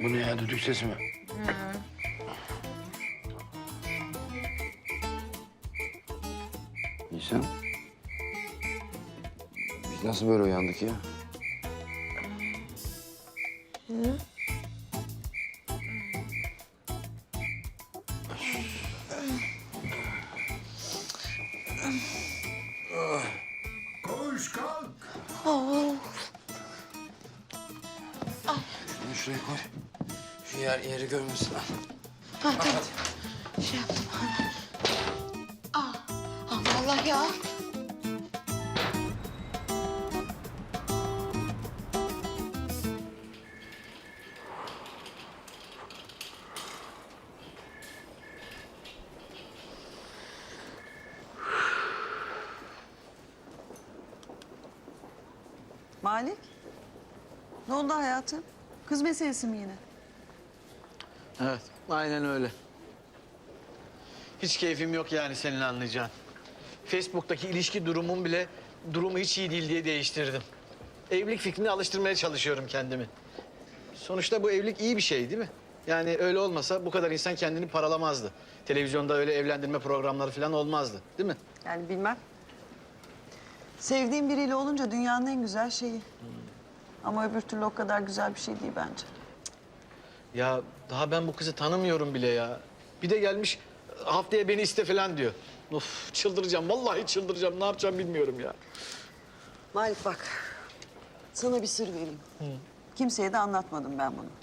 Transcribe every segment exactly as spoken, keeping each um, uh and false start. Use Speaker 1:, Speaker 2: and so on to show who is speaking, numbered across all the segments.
Speaker 1: Bu ne ya, düdük sesi mi? Nisan. Biz nasıl böyle uyandık ya?
Speaker 2: Hı?
Speaker 3: Koş kalk.
Speaker 2: Oh.
Speaker 1: Şunu şuraya koy. Şu yer yeri görmesin. Al.
Speaker 2: Ha, tamam. Şey yaptım. Aa, Allah Allah ya.
Speaker 4: Malik, ne oldu hayatım? Kız meselesi mi yine?
Speaker 5: Evet, aynen öyle. Hiç keyfim yok yani senin anlayacağın. Facebook'taki ilişki durumum bile durumu hiç iyi değil diye değiştirdim. Evlilik fikrine alıştırmaya çalışıyorum kendimi. Sonuçta bu evlilik iyi bir şey değil mi? Yani öyle olmasa bu kadar insan kendini paralamazdı. Televizyonda öyle evlendirme programları falan olmazdı, değil mi?
Speaker 4: Yani bilmem. Sevdiğin biriyle olunca dünyanın en güzel şeyi. Ama öbür türlü o kadar güzel bir şey değil bence.
Speaker 5: Ya daha ben bu kızı tanımıyorum bile ya. Bir de gelmiş haftaya beni iste falan diyor. Of çıldıracağım, vallahi çıldıracağım. Ne yapacağım bilmiyorum ya.
Speaker 4: Malik bak, sana bir sır vereyim. Hı. Kimseye de anlatmadım ben bunu.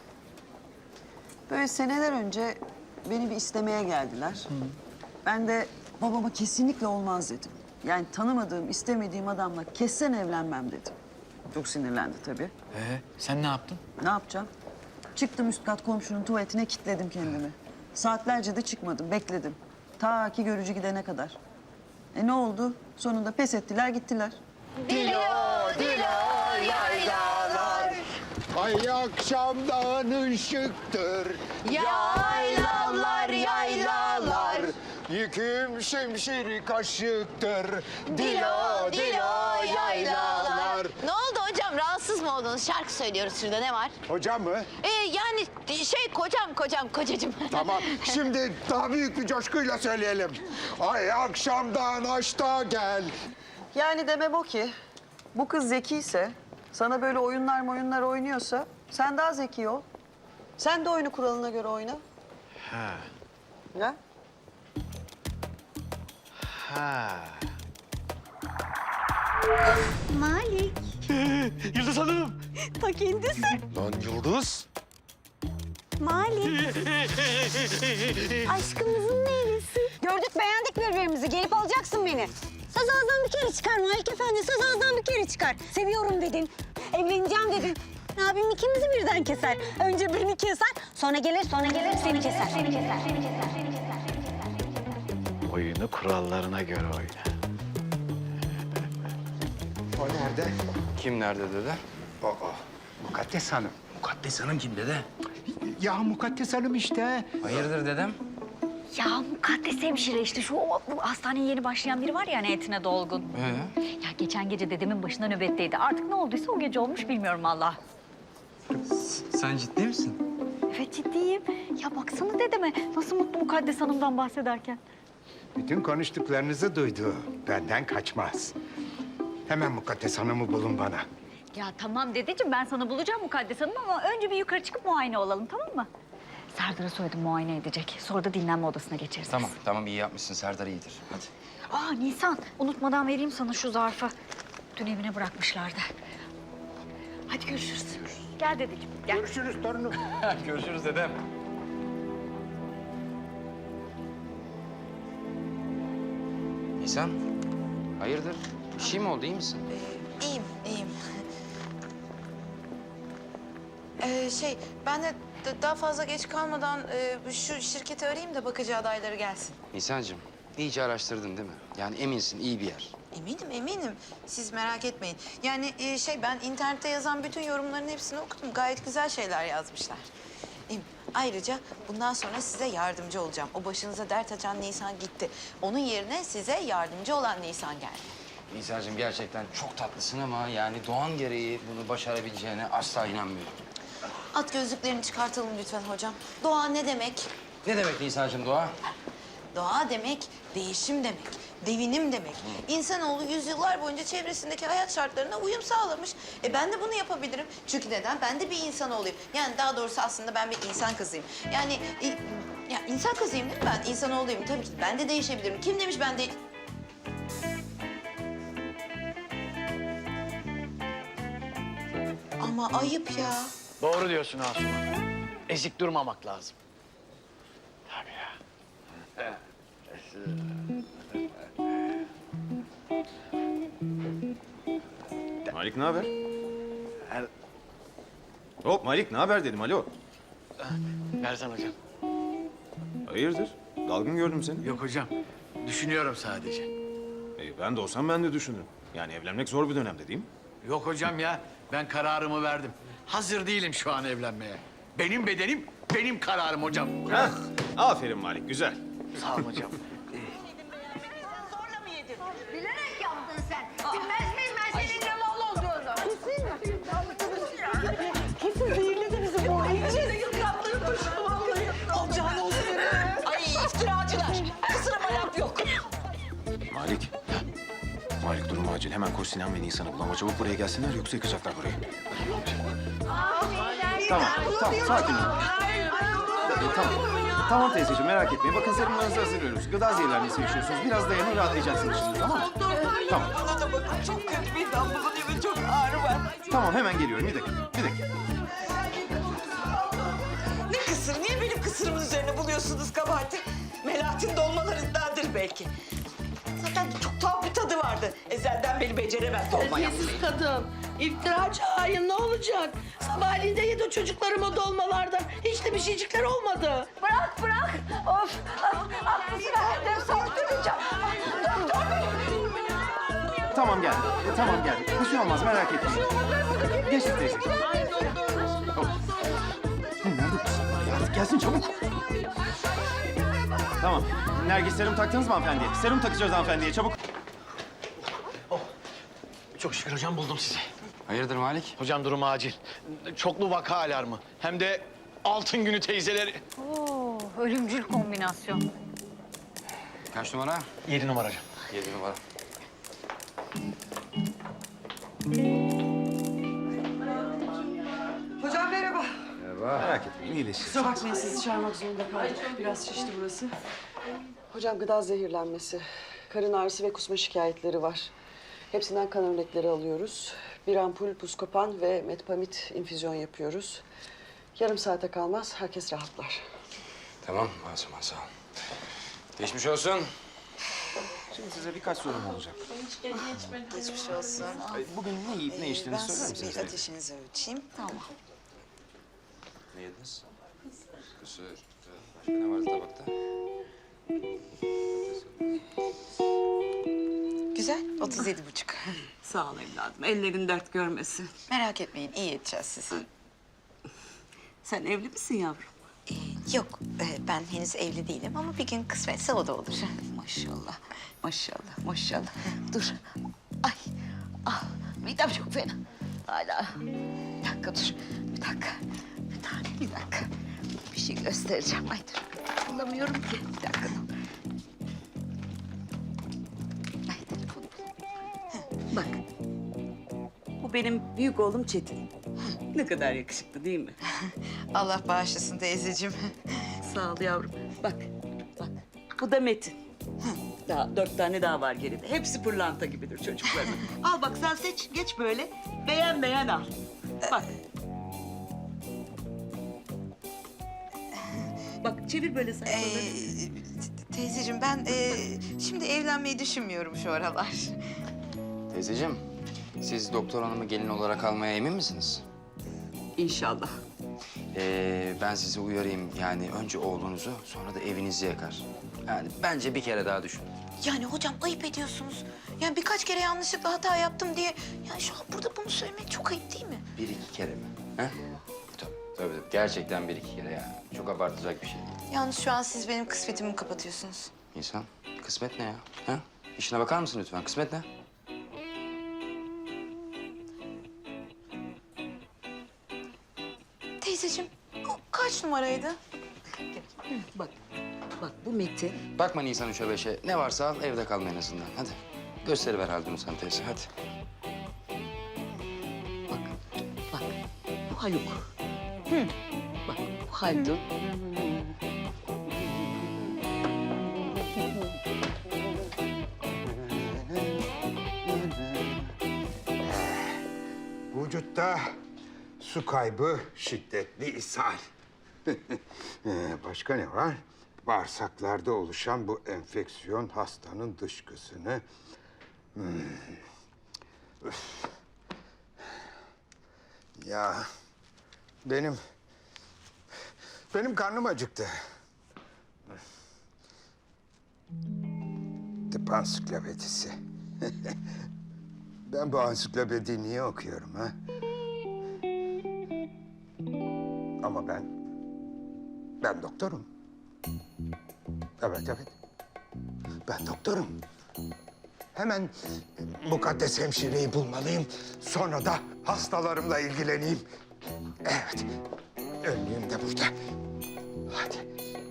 Speaker 4: Böyle seneler önce beni bir istemeye geldiler. Hı. Ben de babama kesinlikle olmaz dedim. Yani tanımadığım, istemediğim adamla kessen evlenmem dedim. Çok sinirlendi tabii.
Speaker 5: Ee, sen ne yaptın?
Speaker 4: Ne yapacağım? Çıktım üst kat komşunun tuvaletine kilitledim kendimi. Saatlerce de çıkmadım, bekledim. Ta ki görücü gidene kadar. E ne oldu? Sonunda pes ettiler, gittiler.
Speaker 2: Dilo, dilo, yaylalar.
Speaker 3: Ay akşamdan ışıktır.
Speaker 2: Yaylalar, yaylalar.
Speaker 3: Yüküm şimşiri kaşıktır.
Speaker 2: Dilo, dilo, yaylalar. Ne oldu hocam? Rahatsız mı oldunuz? Şarkı söylüyoruz şurada. Ne var?
Speaker 3: Hocam mı?
Speaker 2: Ee, yani şey kocam, kocam, kocacığım.
Speaker 3: Tamam. Şimdi daha büyük bir coşkuyla söyleyelim. Ay akşamdan aşta gel.
Speaker 4: Yani demem o ki, bu kız zekiyse, sana böyle oyunlar oyunlar oynuyorsa sen daha zeki ol. Sen de oyunu kuralına göre oyna.
Speaker 5: Ha.
Speaker 4: Ne?
Speaker 5: Ha.
Speaker 6: Malik.
Speaker 5: Yıldız Hanım.
Speaker 6: Ta kendisi.
Speaker 3: Lan Yıldız.
Speaker 6: Malik. Aşkımızın neylisi? Gördük beğendik birbirimizi. Gelip alacaksın beni. Söz ağızdan bir kere çıkar Malik Efendi. Söz ağızdan bir kere çıkar. Seviyorum dedin. Evleneceğim dedin. Abim ikimizi birden keser. Önce birini keser, sonra gelir, sonra gelir seni keser. Seni keser, seni keser, seni keser.
Speaker 5: Oyunu kurallarına göre oyna.
Speaker 3: O nerede?
Speaker 1: Kim nerede dede?
Speaker 3: Aa, Mukaddes Hanım.
Speaker 1: Mukaddes Hanım kim dede?
Speaker 3: Ya Mukaddes Hanım işte.
Speaker 1: Hayırdır dedem?
Speaker 6: Ya mukaddes hemşire işte şu o, bu hastaneye yeni başlayan biri var ya hani etine dolgun.
Speaker 1: Ee?
Speaker 6: Ya geçen gece dedemin başına nöbetteydi. Artık ne olduysa o gece olmuş bilmiyorum Allah.
Speaker 1: Sen ciddi misin?
Speaker 6: Evet ciddiyim. Ya baksana dedeme nasıl mutlu mukaddes hanımdan bahsederken.
Speaker 3: Bütün konuştuklarınızı duydu. Benden kaçmaz. Hemen Mukaddes Hanım'ı bulun bana.
Speaker 6: Ya tamam dedeciğim ben sana bulacağım mukaddes hanım ama önce bir yukarı çıkıp muayene olalım tamam mı? Serdar'a söyledim muayene edecek. Sonra da dinlenme odasına geçeriz.
Speaker 1: Tamam, tamam iyi yapmışsın. Serdar iyidir. Hadi.
Speaker 6: Aa Nisan unutmadan vereyim sana şu zarfı. Dün evine bırakmışlardı. Hadi görüşürüz. Gel dedeciğim gel.
Speaker 3: Görüşürüz torunum.
Speaker 1: Görüşürüz dedem. Nisan, hayırdır? Bir şey mi oldu, iyi misin?
Speaker 2: İyiyim, iyiyim. Ee, şey, ben de d- daha fazla geç kalmadan e, şu şirketi arayayım da bakıcı adayları gelsin.
Speaker 1: Nisan'cığım, iyice araştırdın değil mi? Yani eminsin, iyi bir yer.
Speaker 2: Eminim, eminim. Siz merak etmeyin. Yani e, şey, ben internette yazan bütün yorumların hepsini okudum. Gayet güzel şeyler yazmışlar. E, ayrıca bundan sonra size yardımcı olacağım. O başınıza dert açan Nisan gitti. Onun yerine size yardımcı olan Nisan geldi. At gözlüklerini çıkartalım lütfen hocam. Doğa ne demek?
Speaker 1: Ne demek Nisan'cığım doğa?
Speaker 2: Doğa demek değişim demek, devinim demek. İnsanoğlu yüzyıllar boyunca çevresindeki hayat şartlarına uyum sağlamış. E ben de bunu yapabilirim. Çünkü neden? Ben de bir insan olayım. Yani daha doğrusu aslında ben bir insan kızıyım. Yani e, ya insan kızıyım değil mi ben? İnsan olayım. Tabii ki ben de değişebilirim. Kim demiş ben de... Ama ayıp ya.
Speaker 5: Doğru diyorsun Asuman. Ezik durmamak lazım. Tabii ya.
Speaker 7: Malik ne haber? Hop Malik ne haber dedim alo.
Speaker 5: Versene hocam.
Speaker 7: Hayırdır? Dalgın gördüm seni.
Speaker 5: Yok hocam. Düşünüyorum sadece.
Speaker 7: E, ben de olsam ben de düşünürüm. Yani evlenmek zor bir dönemde değil mi?
Speaker 5: Yok hocam ya. Ben kararımı verdim. Hazır değilim şu an evlenmeye. Benim bedenim, benim kararım hocam.
Speaker 7: Heh, aferin Malik güzel.
Speaker 5: Sağ olun hocam.
Speaker 8: Zorla mı yedin? Bilerek yaptın sen. Bilmez miyim ben senin ne mal olduğunu?
Speaker 6: Kesin zehirledi bizi bu.
Speaker 8: Olacağını olsun. Ay iftiracılar. Kısırıma laf yok.
Speaker 7: Malik. Malik durum acil. Hemen koş Sinan ve Nisan'ı bul ama çabuk buraya gelsinler yoksa yıkacaklar burayı. Tamam, tamam sakin ol. E, tamam. Tamam teyzeciğim merak etmeyin. Bakın serumlarınızı hazırlıyoruz. Gıda zehirlenmesi yaşıyorsunuz. Biraz dayanın rahatlayacaksınız şimdi tamam mı? Tamam.
Speaker 8: Bana da bakın çok kötü bir damlalı ve çok ağrı var.
Speaker 7: Tamam hemen geliyorum. Bir dakika. Bir dakika.
Speaker 8: Ne kısır? Niye benim kısırımın üzerine buluyorsunuz kabahati? Melahat'in dolmalarındandır belki. Zaten çok tuhaf bir tadı vardı. Ezelden beri beceremez dolma yapmayı.
Speaker 9: Terbiyesiz kadın. İftiracı hain ne olacak? Sabahleyin de yedi o çocuklarım o dolmalardan. Hiç de bir şeycikler olmadı.
Speaker 8: Bırak bırak. Of. Aklısına her sorduracağım. Doktor bey.
Speaker 7: Tamam geldim. E, tamam geldim. Bir şey olmaz merak etmeyin. Geçti teyzeciğim. Hop. Hı, Nerede bu kızlar ya? Artık gelsin çabuk. Tamam. Nergis serum taktınız mı hanımefendiye? Serum takacağız hanımefendiye çabuk.
Speaker 5: Çok şükür hocam buldum sizi.
Speaker 1: Hayırdır Malik?
Speaker 5: Hocam durum acil. Çoklu vaka alarmı. Hem de altın günü teyzeleri.
Speaker 6: Oo, ölümcül kombinasyon.
Speaker 1: Kaç numara?
Speaker 5: Yedi numara hocam.
Speaker 1: Yedi numara.
Speaker 4: Hocam merhaba.
Speaker 7: Merak etmeyin iyileşir.
Speaker 4: Kusura bakmayın sizi çağırmak zorunda kaldık. Biraz şişti burası. Hocam gıda zehirlenmesi, karın ağrısı ve kusma şikayetleri var. Hepsinden kan örnekleri alıyoruz. Bir ampul Buscopan ve Metpamit infüzyon yapıyoruz. Yarım saate kalmaz herkes rahatlar.
Speaker 1: Tamam Asuman sağ ol. Geçmiş olsun.
Speaker 7: Şimdi size birkaç sorum olacak.
Speaker 2: Geçmiş olsun.
Speaker 7: Bugün ne yiyip ne içtiğinizi
Speaker 2: Ben
Speaker 7: söyler
Speaker 2: siz
Speaker 7: misiniz?
Speaker 2: bir ateşinizi ölçeyim. Tamam.
Speaker 1: Ne yediniz? Kısır. Başka ne vardı tabakta?
Speaker 2: Güzel. otuz yedi buçuk.
Speaker 4: Sağ ol evladım. Ellerin dert görmesin.
Speaker 2: Merak etmeyin. iyi edeceğiz sizi.
Speaker 4: Sen evli misin yavrum?
Speaker 2: Ee, yok. e, ben henüz evli değilim ama bir gün kısmetse o da olur.
Speaker 4: Maşallah. Maşallah. Maşallah. Dur. Ay. Ah. Midem çok fena. Hala. Bir dakika dur. Bir dakika. Bir tane bir dakika. Bir şey göstereceğim. Ay dur. Bulamıyorum ki. Bir dakika dur. Ay telefonu bul. Bak. Bu benim büyük oğlum Çetin. Ne kadar yakışıklı değil mi?
Speaker 2: Allah bağışlasın teyzeciğim.
Speaker 4: Sağ ol yavrum. Bak, bak. Bu da Metin. Daha dört tane daha var geride. Hepsi pırlanta gibidir çocukların. Al bak sen seç, geç böyle. Beğen beğen al. Bak. Bak çevir böyle
Speaker 2: Ee,
Speaker 4: sayfaları.
Speaker 2: teyzeciğim ben e, şimdi evlenmeyi düşünmüyorum şu aralar.
Speaker 1: Teyzeciğim, siz doktor hanımı gelin olarak almaya emin misiniz?
Speaker 4: İnşallah.
Speaker 1: Ee, ben sizi uyarayım. Yani önce oğlunuzu, sonra da evinizi yakar. Yani bence bir kere daha düşün.
Speaker 2: Yani hocam ayıp ediyorsunuz. Yani birkaç kere yanlışlıkla hata yaptım diye... Yani şu an burada bunu söylemek çok ayıp değil mi?
Speaker 1: Bir iki kere mi? He? Tabii, tabii, tabii. Gerçekten bir iki kere yani. Çok abartacak bir şey.
Speaker 2: Yalnız şu an siz benim kısmetimi kapatıyorsunuz.
Speaker 1: İnsan, kısmet ne ya? Ha? İşine bakar mısın lütfen? Kısmet ne?
Speaker 2: Teyzeciğim numaraydı?
Speaker 8: Bak, bak bu Metin.
Speaker 1: Bakma Nisan üçe beşe. Ne varsa al, evde kalma en azından. Hadi. Gösteriver Haldun'u sen teyze, hadi.
Speaker 8: Bak, bak bu Haluk. Hı. Bak bu Haldun.
Speaker 3: Vücutta su kaybı, şiddetli ishal. Ee, Başka ne var? Bağırsaklarda oluşan bu enfeksiyon hastanın dışkısını... Hmm. Üf. Ya benim... Benim karnım acıktı. Tıp ansiklopedisi. Ben bu ansiklopediyi niye okuyorum ha? Ama ben... Ben doktorum. Evet, evet. Ben doktorum. Hemen mukaddes hemşireyi bulmalıyım. Sonra da hastalarımla ilgileneyim. Evet. Önlüğüm de burada. Hadi.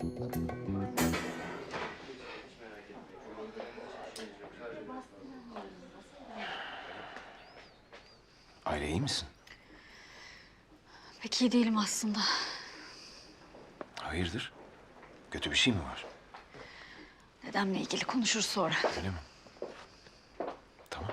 Speaker 7: Aile iyi misin?
Speaker 6: Pek iyi değilim aslında.
Speaker 7: Hayırdır? Kötü bir şey mi var?
Speaker 6: Dedemle ilgili konuşuruz sonra.
Speaker 7: Öyle mi? Tamam.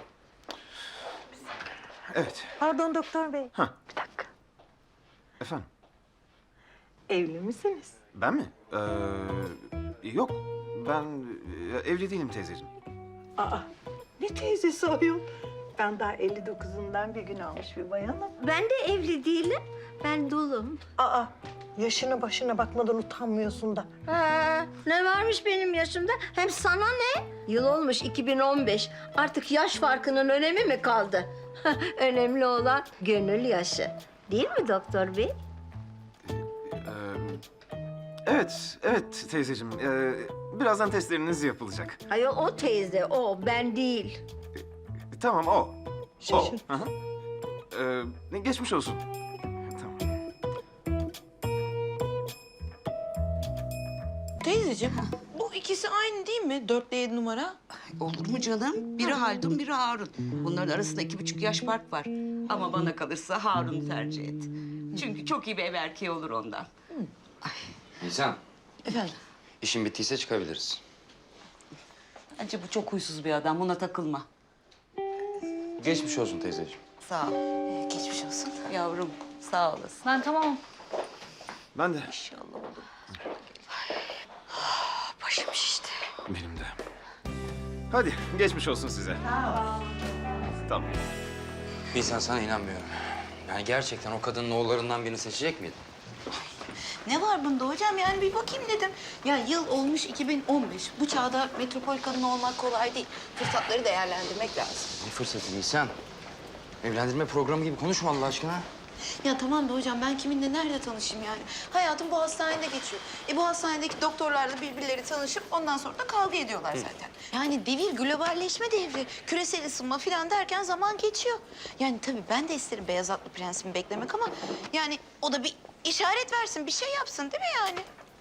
Speaker 7: Evet.
Speaker 10: Pardon doktor bey.
Speaker 7: Efendim?
Speaker 10: Evli misiniz?
Speaker 7: Ben mi? Ee, yok. Ben e, evli değilim teyzeciğim.
Speaker 10: Aa, ne teyzesi ayol? Ben daha elli dokuzundan bir gün almış bir bayanım.
Speaker 11: Ben de evli değilim. Ben dulum.
Speaker 10: Aa, yaşına başına bakmadan utanmıyorsun da.
Speaker 11: Ha, ne varmış benim yaşımda? Hem sana ne? Yıl olmuş iki bin on beş. Artık yaş farkının önemi mi kaldı? Önemli olan gönül yaşı. Değil mi doktor bey?
Speaker 7: Ee, evet, evet teyzeciğim. Ee, birazdan testleriniz yapılacak.
Speaker 11: Hayır o teyze, o. Ben değil.
Speaker 7: Tamam, o. O.
Speaker 10: Şaşır.
Speaker 7: Hı hı. Ee, geçmiş olsun. Tamam.
Speaker 2: Teyzeciğim, bu ikisi aynı değil mi? Dörtle yedi numara.
Speaker 8: Olur mu canım? Biri Haldun, biri Harun. Bunların arasında iki buçuk yaş fark var. Ama bana kalırsa Harun'u tercih et. Çünkü çok iyi bir ev erkeği olur ondan.
Speaker 1: Nisan,
Speaker 2: Efendim?
Speaker 1: işin bittiyse çıkabiliriz.
Speaker 8: Bence bu çok huysuz bir adam. Buna takılma.
Speaker 1: Geçmiş olsun teyzeciğim.
Speaker 8: Sağ ol.
Speaker 2: Ee, geçmiş olsun.
Speaker 8: Yavrum, sağ olasın.
Speaker 6: Ben tamamım.
Speaker 7: Ben de.
Speaker 8: İnşallah olur.
Speaker 2: Başım şişti.
Speaker 7: Benim de. Hadi, geçmiş olsun size. Tamam.
Speaker 1: Nisan, sana inanmıyorum. Yani gerçekten o kadının oğullarından birini seçecek miydin?
Speaker 2: Ne var bunda hocam? Yani bir bakayım dedim. Ya yıl olmuş iki bin on beş. Bu çağda metropol kadını olmak kolay değil. Fırsatları değerlendirmek lazım.
Speaker 1: Ne fırsatı Nisan? Evlendirme programı gibi konuşma Allah aşkına.
Speaker 2: Ya tamam da hocam ben kiminle nerede tanışayım yani? Hayatım bu hastanede geçiyor. E bu hastanedeki doktorlarla birbirleri tanışıp ondan sonra da kavga ediyorlar zaten. Yani devir globalleşme devri, küresel ısınma falan derken zaman geçiyor. Yani tabii ben de isterim beyaz atlı prensimi beklemek ama yani o da bir işaret versin, bir şey yapsın değil mi yani?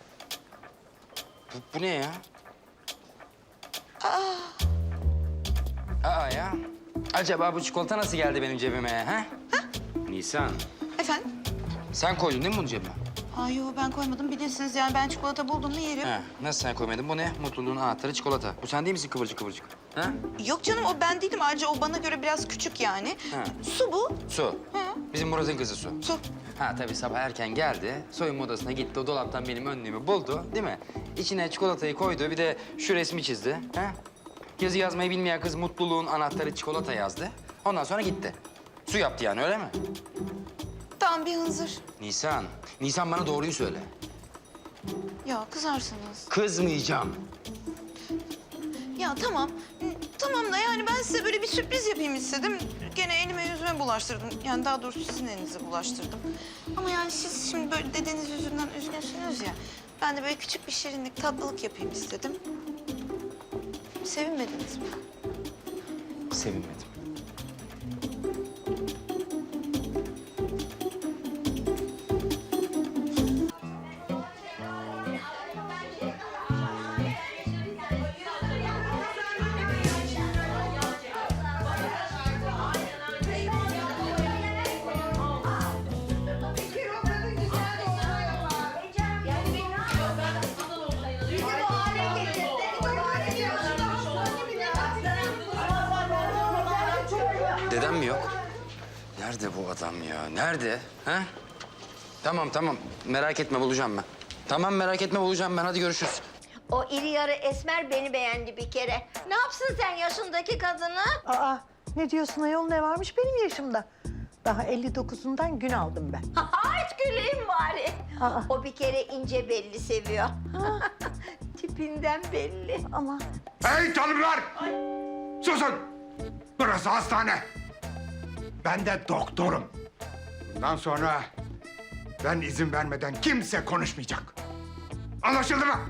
Speaker 1: Bu, bu ne ya? Aa. Aa ya. Acaba bu çikolata nasıl geldi benim cebime ha? Ha? Nisan,
Speaker 2: Efendim?
Speaker 1: sen koydun değil mi bunu cebime?
Speaker 2: Ay yo ben koymadım bilirsiniz yani ben çikolata buldum mu yerim.
Speaker 1: Ha, nasıl sen koymadın? Bu ne? Mutluluğun anahtarı çikolata. Bu sen değil misin kıvırcık kıvırcık? Ha?
Speaker 2: Yok canım o ben değilim ayrıca o bana göre biraz küçük yani.
Speaker 1: Ha.
Speaker 2: Su bu.
Speaker 1: Su.
Speaker 2: Hı.
Speaker 1: Bizim Murat'ın kızı Su.
Speaker 2: Su.
Speaker 1: Ha tabii sabah erken geldi. Soyunma odasına gitti. O dolaptan benim önlüğümü buldu değil mi? İçine çikolatayı koydu. Bir de şu resmi çizdi. Ha? Yazı yazmayı bilmeyen kız mutluluğun anahtarı çikolata yazdı. Ondan sonra gitti. Su yaptı yani öyle mi?
Speaker 2: Tamam bir hınzır.
Speaker 1: Nisan, Nisan bana doğruyu söyle.
Speaker 2: Ya kızarsınız.
Speaker 1: Kızmayacağım.
Speaker 2: Ya tamam. Hı, Tamam da yani ben size böyle bir sürpriz yapayım istedim. Gene elime yüzüme bulaştırdım. Yani daha doğrusu sizin elinize bulaştırdım. Ama yani siz şimdi böyle dedeniz yüzünden üzgünsünüz ya. Ben de böyle küçük bir şirinlik, tatlılık yapayım istedim. Sevinmediniz mi?
Speaker 1: Sevinmedim. dedem mi yok? Nerede bu adam ya? Nerede? Ha? Tamam tamam. Merak etme bulacağım ben. Tamam merak etme bulacağım ben. Hadi görüşürüz.
Speaker 11: O iri yarı esmer beni beğendi bir kere. Ne yapsın sen yaşındaki kadını?
Speaker 10: Aa, ne diyorsun ayol, ne varmış benim yaşımda? Daha elli dokuzundan gün aldım ben.
Speaker 11: Hiç güleyim bari.
Speaker 10: Aa.
Speaker 11: O bir kere ince belli seviyor. Tipinden belli.
Speaker 10: Ama
Speaker 3: Hey tanrılar! Susun! Burası hastane. Ben de doktorum. Bundan sonra ben izin vermeden kimse konuşmayacak. Anlaşıldı mı?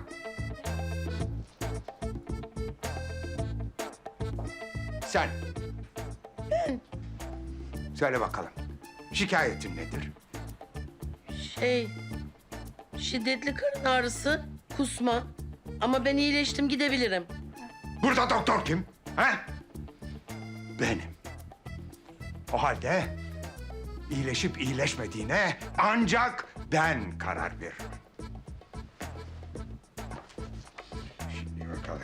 Speaker 3: Sen. Ben. Söyle bakalım. Şikayetin nedir?
Speaker 9: Şey, şiddetli karın ağrısı, kusma. Ama ben iyileştim, gidebilirim.
Speaker 3: Burada doktor kim? Ha? Benim. O halde iyileşip iyileşmediğine ancak ben karar veririm. Şimdi bakalım.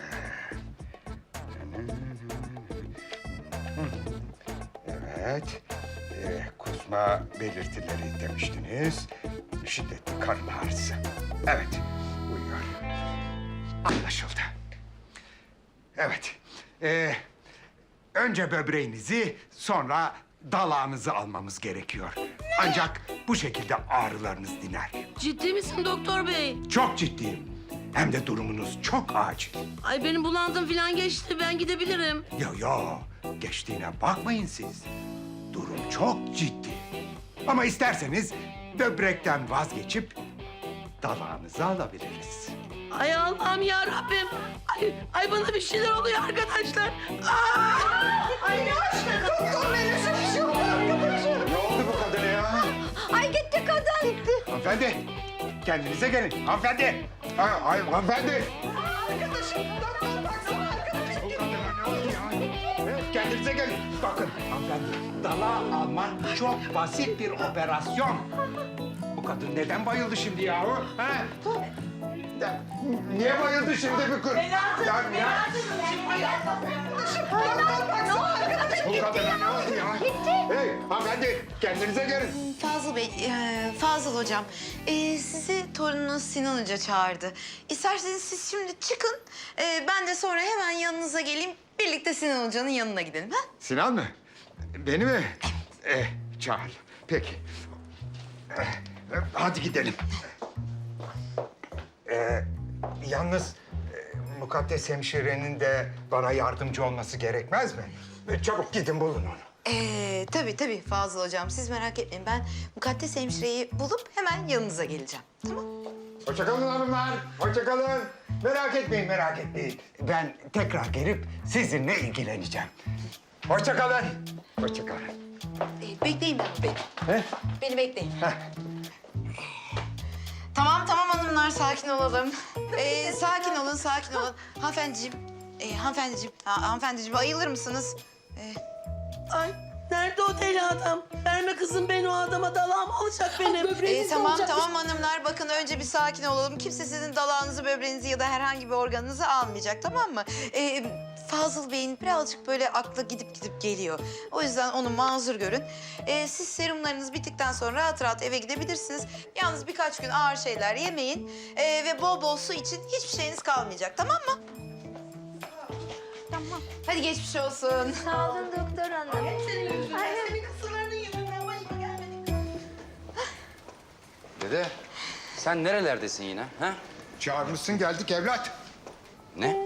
Speaker 3: Evet. Ee, kusma belirtileri demiştiniz. Şiddetli karın ağrısı. Evet, uyuyor. Anlaşıldı. Evet. Ee, önce böbreğinizi, sonra dalağınızı almamız gerekiyor. Ancak bu şekilde ağrılarınız diner.
Speaker 9: Ciddi misin doktor bey?
Speaker 3: Çok ciddiyim. Hem de durumunuz çok acil.
Speaker 9: Ay benim bulandım falan geçti, ben gidebilirim.
Speaker 3: Yo yo, geçtiğine bakmayın siz. Durum çok ciddi. Ama isterseniz böbrekten vazgeçip dalağınızı alabiliriz.
Speaker 9: Ay Allah'ım ya Rabbim. Ay, ay bana bir şeyler oluyor arkadaşlar. Aa! Ay ne aşkına doktor bey, nasıl bir şey oldu arkadaşlar?
Speaker 3: Ne oldu bu kadına ya?
Speaker 11: Ay gitti kadın. Gitti.
Speaker 3: Hanımefendi, kendinize gelin. Hanımefendi. Ha, ay, hanımefendi.
Speaker 9: Arkadaşım, doktor baksana arkadaşım.
Speaker 3: Bu kadına ne oldu ya? Evet, kendinize gelin. Bakın hanımefendi, dalağı alman çok basit bir operasyon. Bu kadın neden bayıldı şimdi yahu? Ha? Ya, niye bayıldı şimdi bu kız? Ya, ya. Bu kadına ne oldu ya? Hey hanımefendi, kendinize gelin.
Speaker 2: Fazıl Bey, e, Fazıl Hocam, e, sizi torununuz Sinan Hoca çağırdı. İsterseniz siz şimdi çıkın, e, ben de sonra hemen yanınıza geleyim. Birlikte Sinan Hoca'nın yanına gidelim, ha?
Speaker 3: Sinan mı? Beni mi? Eh, çağır. Peki. Eh, eh, hadi gidelim. Eh, yalnız eh, Mukaddes hemşirenin de bana yardımcı olması gerekmez mi? Eh, çabuk gidin bulun onu.
Speaker 2: Ee, tabii tabii Fazıl Hocam, siz merak etmeyin. Ben Mukaddes hemşireyi bulup hemen yanınıza geleceğim, tamam?
Speaker 3: Hoşça kalın hanımlar. Hoşça kalın. Merak etmeyin, merak etmeyin. Ben tekrar gelip sizinle ilgileneceğim. Hoşça kalın. Hoşça kalın.
Speaker 2: Ee, bekleyin beni, beni.
Speaker 3: He?
Speaker 2: Beni bekleyin.
Speaker 3: Heh.
Speaker 2: Tamam tamam hanımlar, sakin olalım. Ee, sakin olun, sakin olun. Hanımefendiciğim, e, hanımefendiciğim, ha, hanımefendiciğim ayılır mısınız? Ee,
Speaker 9: Ay nerede o deli adam? Verme kızım beni o adama, dalağım olacak benim.
Speaker 2: e, tamam tamam hanımlar, bakın önce bir sakin olalım. Kimse sizin dalağınızı, böbreğinizi ya da herhangi bir organınızı almayacak, tamam mı? Ee, Fazıl Bey'in birazcık böyle aklı gidip gidip geliyor. O yüzden onu mazur görün. Ee, siz serumlarınız bittikten sonra rahat rahat eve gidebilirsiniz. Yalnız birkaç gün ağır şeyler yemeyin ee, ve bol bol su için, hiçbir şeyiniz kalmayacak, tamam mı? Tamam. Hadi geçmiş olsun.
Speaker 11: Sağ olun doktor hanım.
Speaker 9: Senin yüzünden, senin kısırlarının yüzünden başıma gelmedi.
Speaker 1: Dede sen nerelerdesin yine? Ha?
Speaker 3: Çağırmışsın, geldik evlat.
Speaker 1: Ne?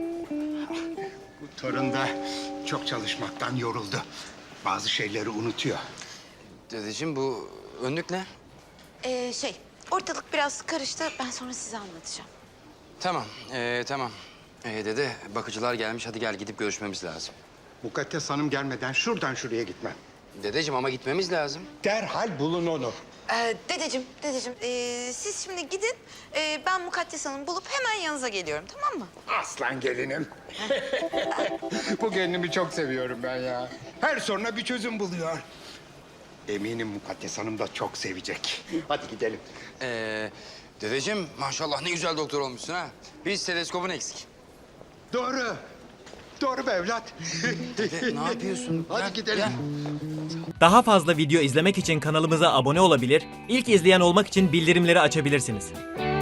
Speaker 3: Bu torun da çok çalışmaktan yoruldu. Bazı şeyleri unutuyor.
Speaker 1: Dedeciğim bu önlük ne?
Speaker 2: Ee, şey, ortalık biraz karıştı. Ben sonra size anlatacağım.
Speaker 1: Tamam, ee, tamam. Ee, dede, bakıcılar gelmiş. Hadi gel gidip görüşmemiz lazım.
Speaker 3: Mukaddes Hanım gelmeden şuradan şuraya gitmem.
Speaker 1: Dedeciğim ama gitmemiz lazım.
Speaker 3: Derhal bulun onu.
Speaker 2: Ee, dedeciğim, dedeciğim, ee, siz şimdi gidin. Ee, ben Mukaddes Hanım'ı bulup hemen yanınıza geliyorum, tamam mı?
Speaker 3: Aslan gelinim. Bu gelinimi çok seviyorum ben ya. Her soruna bir çözüm buluyor. Eminim Mukaddes Hanım da çok sevecek. Hadi gidelim.
Speaker 1: Ee, dedeciğim maşallah ne güzel doktor olmuşsun ha. Bir steteskopun eksik.
Speaker 3: Doğru. Doğru mu evlat?
Speaker 1: Ne yapıyorsun?
Speaker 3: Hadi
Speaker 1: Gel,
Speaker 3: gidelim.
Speaker 1: gel.
Speaker 12: Daha fazla video izlemek için kanalımıza abone olabilir, ilk izleyen olmak için bildirimleri açabilirsiniz.